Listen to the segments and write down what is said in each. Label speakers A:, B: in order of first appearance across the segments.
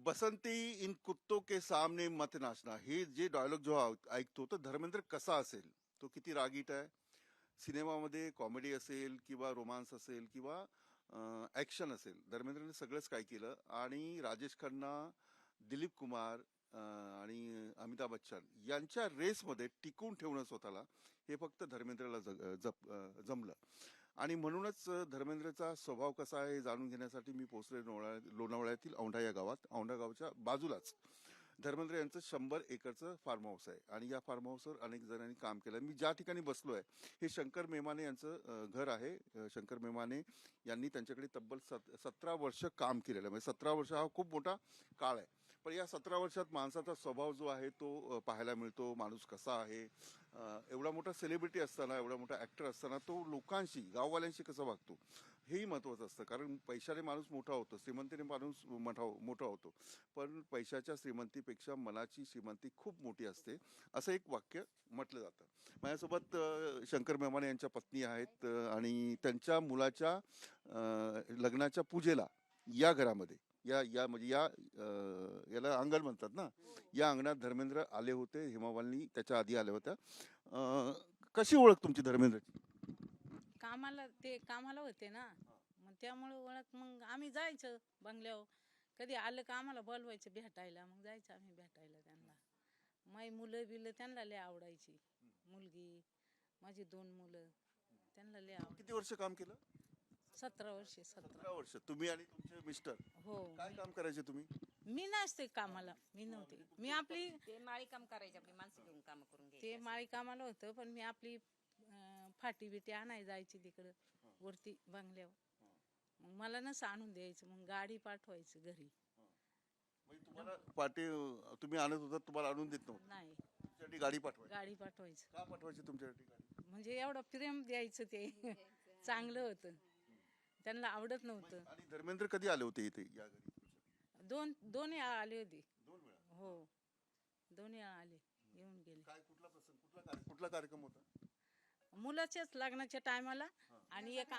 A: Basanti in कुत्तों के सामने मत नाचना, हे जे डायलॉग जो ऐकतो तर धर्मेंद्र कसा असेल, तो किती रागीट आहे. सिनेमामध्ये कॉमेडी असेल किंवा रोमांस असेल किंवा ऍक्शन असेल, धर्मेंद्रने सगळंच काय केलं. आणि राजेश खन्ना, दिलीप कुमार आणि अमिताभ बच्चन यांच्या रेसमध्ये टिकून ठेवणं स्वतःला, हे फक्त धर्मेंद्रला जमलं. आणि म्हणूनच धर्मेंद्रचा स्वभाव कसा आहे हे जाणून घेण्यासाठी मी पोहोचले लोणावळ्यातील औंढा या गावात. औंढा गावच्या बाजूलाच धर्मेंद्र यांचं 100 एकरचं फार्म हाऊस आहे आणि या फार्म हाऊसवर अनेक जणांनी काम केलं. मी ज्या ठिकाणी बसलोय हे शंकर मेमाने यांचं घर आहे. शंकर मेमाने यांनी त्यांच्याकडे तब्बल 17 वर्ष काम केलेलं आहे. म्हणजे 17 वर्ष हा खूप मोठा काळ आहे. पण या 17 वर्षात माणसाचा स्वभाव जो आहे तो पाहायला मिळतो. माणूस कसा आहे, एवढा मोठा सेलिब्रिटी असताना, एवढा मोठा ऍक्टर असताना तो लोकांशी, गाववाल्यांशी कसा वागतो हेही महत्वाचं असतं. कारण पैशाने माणूस मोठा होतो, श्रीमंतीने माणूस मोठा होतो, पण पैशाच्या श्रीमंतीपेक्षा मनाची श्रीमंती खूप मोठी असते, असं एक वाक्य म्हटलं जातं. माझ्यासोबत शंकर मेमाने यांच्या पत्नी आहेत आणि त्यांच्या मुलाच्या लग्नाच्या पूजेला या घरामध्ये, या या म्हणजे या याला अंगण म्हणतात ना, या अंगणात धर्मेंद्र आले होते. हेमामालिनी त्याच्या आधी आल्या होत्या. कशी ओळख तुमची धर्मेंद्रची?
B: कामाला होते ना, मग त्यामुळे ओळख. मग आम्ही जायचं बंगल्यावर, कधी आलं का आम्हाला बोलवायचं भेटायला, मग जायचं आम्ही भेटायला त्यांना. माई मुलं बिलं त्यांना लय आवडायची. मुलगी, माझी 2 मुलं, त्यांना लय
A: किती वर्ष काम केलं?
B: 17 वर्षे.
A: 17 वर्ष. तुम्ही आणि तुमचे मिस्टर
B: हो.
A: काय काम करायचे तुम्ही?
B: मी नसते कामाला, मी नव्हते. मी आपली
C: ते माळी काम करायचे, आपली माणसं घेऊन काम करून घ्यायचे.
B: ते माळी कामाला होतं, पण मी आपली फाटी बिटी आणाय जायची तिकडं वरती बंगल्यावर. मग मला नसं आणून द्यायचं, मग गाडी पाठवायचं घरी.
A: म्हणजे तुम्हाला पाटे तुम्ही आणत होता, तुम्हाला आणून देत नव्हतं?
B: नाही,
A: तुमच्यासाठी गाडी पाठवायची?
B: गाडी पाठवायचं.
A: का पाठवायची तुमच्यासाठी गाडी?
B: म्हणजे एवढं प्रेम द्यायचं ते चांगलं होतं, त्यांना आवडत नव्हतं.
A: आणि धर्मेंद्र कधी आले होते इथे या घरी?
B: दोन्ही आले होते.
A: 2 वेळा?
B: हो, दोन्ही आले, येऊन गेले.
A: काय, कुठला प्रसंग, कुठला कार्यक्रम होता?
B: मुलाच्याच लग्नाच्या टायमाला. आणि एक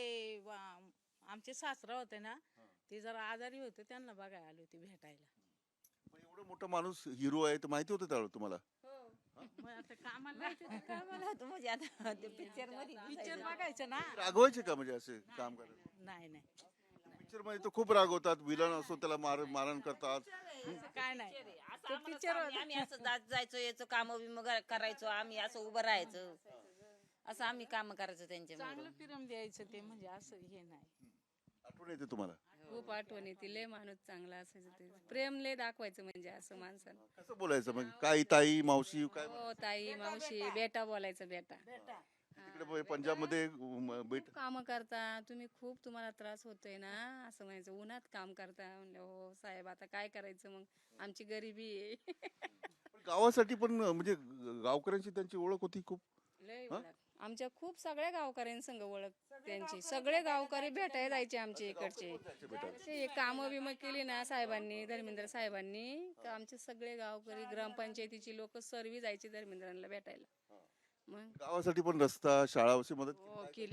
B: आमचे सासरा होते ना, ते जरा आजारी होते, त्यांना बघायला आले होते भेटायला.
A: पण एवढं मोठा माणूस हिरो आहे तर माहिती होतं त्यावेळेस तुम्हाला?
B: मग आता कामाला
C: कामाला होतो म्हणजे आता ते पिक्चर मध्ये
B: पिक्चर बघायचं ना.
A: रागवायचे का म्हणजे असे काम करायला?
B: नाही नाही,
A: पिक्चर मध्ये तर खूप रागवतात, विलन असो त्याला मारण करतात.
B: असं काय नाही.
C: तो पिक्चर आम्ही असं जायचो यायचो, काम बिम करायचो, आम्ही असं उभं राहायचं, असं आम्ही काम करायचो त्यांच्या.
B: चांगलं प्रेम द्यायचं ते, म्हणजे असं हे नाही.
A: आठवण येते तुम्हाला?
D: खूप आठवण येते. लय माणूस चांगला असायचं, ते प्रेम लय दाखवायचं म्हणजे असं माणसानं.
A: कसं बोलायचं मग? काय ताई, मावशी, काय?
D: हो, ताई, मावशी, बेटा बोलायचं, बेटा.
A: तिकडे पंजाब मध्ये
D: खूप काम करता तुम्ही, खूप तुम्हाला त्रास होतोय ना, असं म्हणायचं. उन्हात काम करता म्हणलं, हो साहेब आता काय करायचं, मग आमची गरिबी आहे.
A: गावासाठी पण म्हणजे गावकऱ्यांची त्यांची ओळख होती खूप.
D: लय ओळख आमच्या, खूप सगळ्या गावकऱ्यांसंग ओळख त्यांची. सगळे गावकरी भेटायला जायचे आमच्या इकडचे. हे कामं बिमं केली ना साहेबांनी, धर्मेंद्र साहेबांनी, का आमचे सगळे गावकरी, ग्रामपंचायतीची लोक सर्वी जायचे धर्मेंद्रांना भेटायला. मग
A: गावासाठी पण रस्ता, शाळा अशी मदत केली?
D: हो, केली.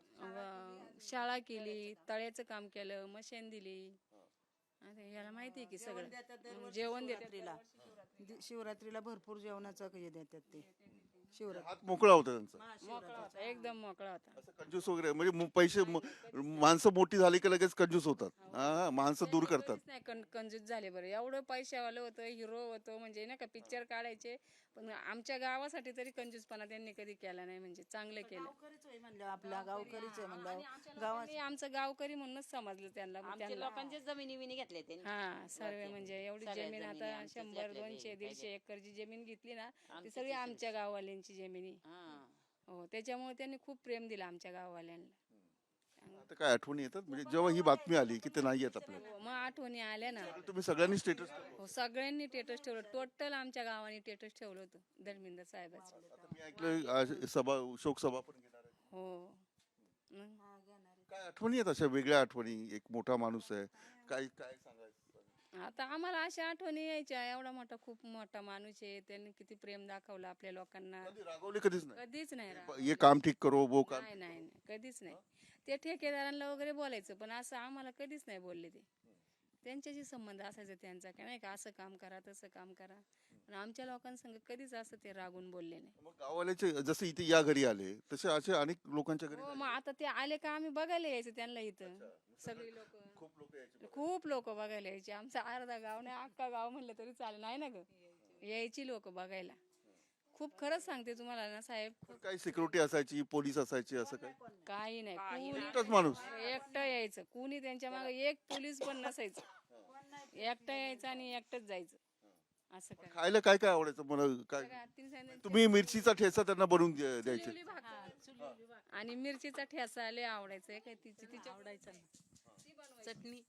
D: शाळा केली, तळ्याचं काम केलं, मशीन दिली. आता याला माहिती आहे की सगळं जेवण देतात.
E: शिवरात्रीला भरपूर जेवणाचं हे देतात ते. शिवरात्री
A: हात मोकळा होता त्यांचा.
D: मोकळा होता, एकदम मोकळा होता.
A: असं कंजूस वगैरे म्हणजे पैसे माणसं मोठी झाली की लगेच कंजूस होतात. माणसं दूर करतात.
D: कधीच नाही कंजूस झाले बरं. एवढं पैशावालं होतं, हिरो होतो, म्हणजे नाही का पिक्चर काढायचे, पण आमच्या गावासाठी तरी कंजूसपणा त्यांनी कधी केला नाही. म्हणजे चांगलं केलं.
E: गावकरीच आहे म्हणलं, आपला गावकरीच आहे म्हणलं.
D: लोकांनी आमचं गावकरी म्हणूनच समजलं त्यांना.
C: आमच्या लोकांचे जमिनी विनी घेतले त्यांनी.
D: हा, सर्व म्हणजे एवढी जमीन आता 100, 200, 150 एकरची जमीन घेतली ना, ती सगळी आमच्या गाववाल्यांची जमिनी. हो, त्याच्यामुळे त्यांनी खूप प्रेम दिलं आमच्या गाववाल्यांना.
A: आता काय आठवणी येतात म्हणजे जेव्हा ही बातमी आली की ते नाही येत आपल्याला?
D: हो, मग आठवणी आल्या ना.
A: तुम्ही सगळ्यांनी स्टेटस?
D: हो, सगळ्यांनी स्टेटस ठेवलं. टोटल आमच्या गावाने स्टेटस ठेवलं होतं धर्मेंद्र साहेबाचं.
A: आता मी ऐकलं आज शोक सभा पण घेणार आहे.
D: हो.
A: काय आठवणी आहेत अशा वेगळ्या आठवणी? एक मोठा माणूस आहे, काय काय सांगायचं?
D: आता आम्हाला अशा आठवणी यायच्या. एवढा मोठा, खूप मोठा माणूस आहे, त्यांनी किती प्रेम दाखवलं आपल्या लोकांना.
A: कधी रागवले? कधीच नाही.
D: कधीच नाही
A: ये काम ठीक करो, वो काम.
D: नाही नाही नाही, कधीच नाही. ते ठेकेदारांना वगैरे बोलायचं, पण असं आम्हाला कधीच नाही बोलले ते. त्यांच्याशी संबंध असायचा त्यांचा की नाही का असं काम करा तसं काम करा. पण आमच्या लोकांसंग कधीच असं ते रागून बोलले नाही.
A: मग गाववाल्याचे जसे इथे या घरी आले तसे असे अनेक लोकांच्या घरी
D: हो, मग आता ते आले का आम्ही बघायला यायचं त्यांना इथं. सगळी लोक
A: खूप लोक यायचे.
D: खूप लोक बघायला यायची. आमचा अर्धा गाव नाही अख्खा गाव म्हणलं तरी चालेल नाही ना ग, यायची लोक बघायला. खूप खरंच सांगते तुम्हाला ना साहेब,
A: पण काही सिक्युरिटी असायची, पोलीस असायचे, असं काही
D: काही नाही. कुणी
A: एकटाच माणूस.
D: एकटं यायचं, कुणी त्यांच्या मागे एक पोलीस पण नसायचं. एकटं यायचं आणि एकटंच जायचं. असं काय
A: खायला काय काय आवडायचं मला काय
D: सगळ्या आत्तीने सांगितलं,
A: तुम्ही मिरचीचा ठेचा त्यांना बनवून द्यायचे.
D: चुलीवली भाकर आणि मिरचीचा ठेचा लय आवडायचं. काय तिच्या
B: आवडायचं ना चटणी.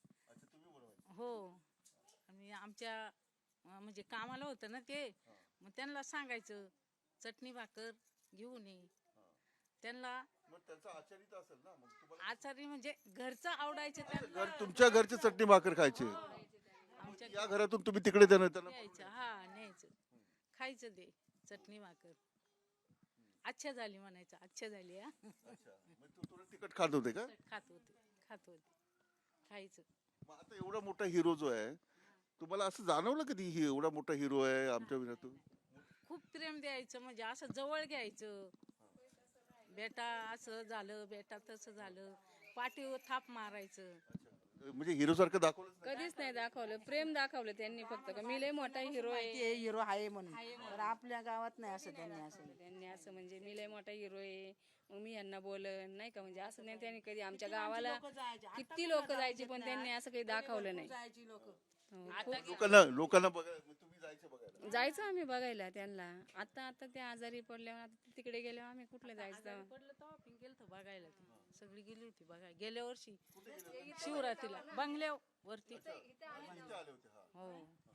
B: हो, आणि आमच्या म्हणजे कामाला होतं ना ते, मग त्यांना सांगायचं चटणी भाकर घेऊन ये. त्यांना
A: मग त्यांचा आचारी तर असेल ना, मग तुम्हाला
B: आचारी म्हणजे घरचं आवडायचं त्यांना.
A: तुमच्या घरचे चटणी भाकर खायचे.
B: आमच्या
A: या घरातून तुम्ही तिकडे त्यांना
B: न्यायचं, हा न्यायचं, खायचं ते चटणी भाकर. अच्छा झाली म्हणायचं, अच्छा झाली हा.
A: थोडं तिखट खात होते का?
B: खात होते खायचं.
A: मग आता एवढा मोठा हिरो जो आहे, तुम्हाला असं जाणवलं कधी ही एवढा मोठा हिरो आहे आमच्या विनातून?
B: खूप प्रेम द्यायचं, म्हणजे असं जवळ घ्यायचं. बेटा असं झालं, बेटा तसं झालं, पाठीवर थाप मारायचं.
A: म्हणजे हिरो सारखं दाखवलं
D: कधीच नाही दाखवलं. प्रेम दाखवलं त्यांनी फक्त का मी लय मोठा हिरो आहे.
E: हिरो आहे म्हणून, तर आपल्या गावात नाही असं
D: त्यांनी असं म्हणजे मी लय मोठा हिरो आहे, मग मी यांना बोलन नाही का, म्हणजे असं नाही. त्यांनी कधी आमच्या गावाला किती लोक जायचे पण त्यांनी असं काही दाखवलं नाही. हो,
A: लोकांना बघायला तुम्ही जायचे बघायला.
D: जायचं आम्ही बघायला त्यांना. आता आता ते आजारी पडल्यावर आता ते तिकडे गेल्यावर आम्ही कुठले जायचं तेव्हा?
B: पडलं तेव्हा आपण गेलतो बघायला. ती सगळी गेली होती बघायला गेल्या वर्षी शिवरात्रीला बंगल्यावरती. हो,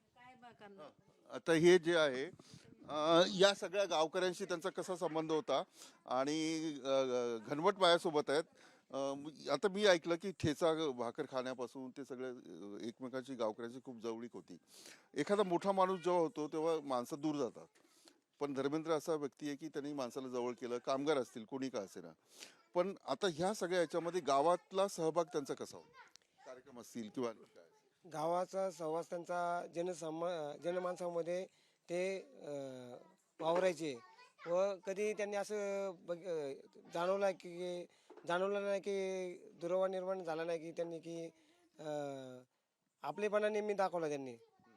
A: आता हे जे आहे या सगळ्या गावकऱ्यांशी त्यांचा कसा संबंध होता आणि घनवट माझ्यासोबत आहेत. आता मी ऐकलं की ठेचा भाकर खाण्यापासून ते सगळे एकमेकांची गावकऱ्यांची खूप जवळीक होती. एखादा मोठा माणूस जेव्हा होतो तेव्हा माणसं दूर जातात, पण धर्मेंद्र असा व्यक्ती आहे की त्यांनी माणसाला जवळ केलं. कामगार असतील कोणी का असेना, पण आता ह्या सगळ्या याच्यामध्ये गावातला सहभाग त्यांचा कसा होता? कार्यक्रम असतील किंवा आणखी काय?
F: गावाचा सहवास त्यांचा जनमानसामध्ये ते वावरायचे. व कधी त्यांनी असं जाणवलं नाही की दुरावा निर्माण झाला नाही की त्यांनी की आपलेपणा नेहमी दाखवला त्यांनी.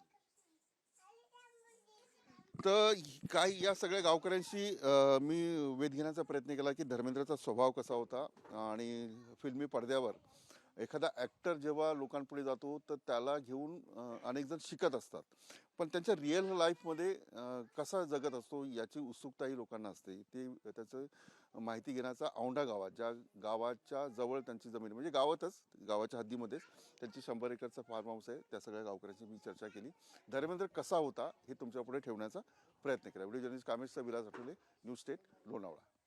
A: तर काही या सगळ्या गावकऱ्यांशी मी वेध घेण्याचा प्रयत्न केला की धर्मेंद्रचा स्वभाव कसा होता. आणि फिल्मी पडद्यावर एखादा ॲक्टर जेव्हा लोकांपुढे जातो तर त्याला घेऊन अनेक जण शिकत असतात, पण त्यांच्या रिअल लाईफमध्ये कसा जगत असतो याची उत्सुकताही लोकांना असते. ते त्याचं माहिती घेण्याचा औंढा गावात, ज्या गावाच्या जवळ त्यांची जमीन म्हणजे गावातच गावाच्या हद्दीमध्येच त्यांची 100 एकरचा फार्म हाऊस आहे, त्या सगळ्या गावकऱ्यांची मी चर्चा केली. धर्मेंद्र कसा होता हे तुमच्या पुढे ठेवण्याचा प्रयत्न केला. व्हिडिओ जर्नलिस्ट कामेशचा विलास आठवले, न्यूज स्टेट, लोणावळा.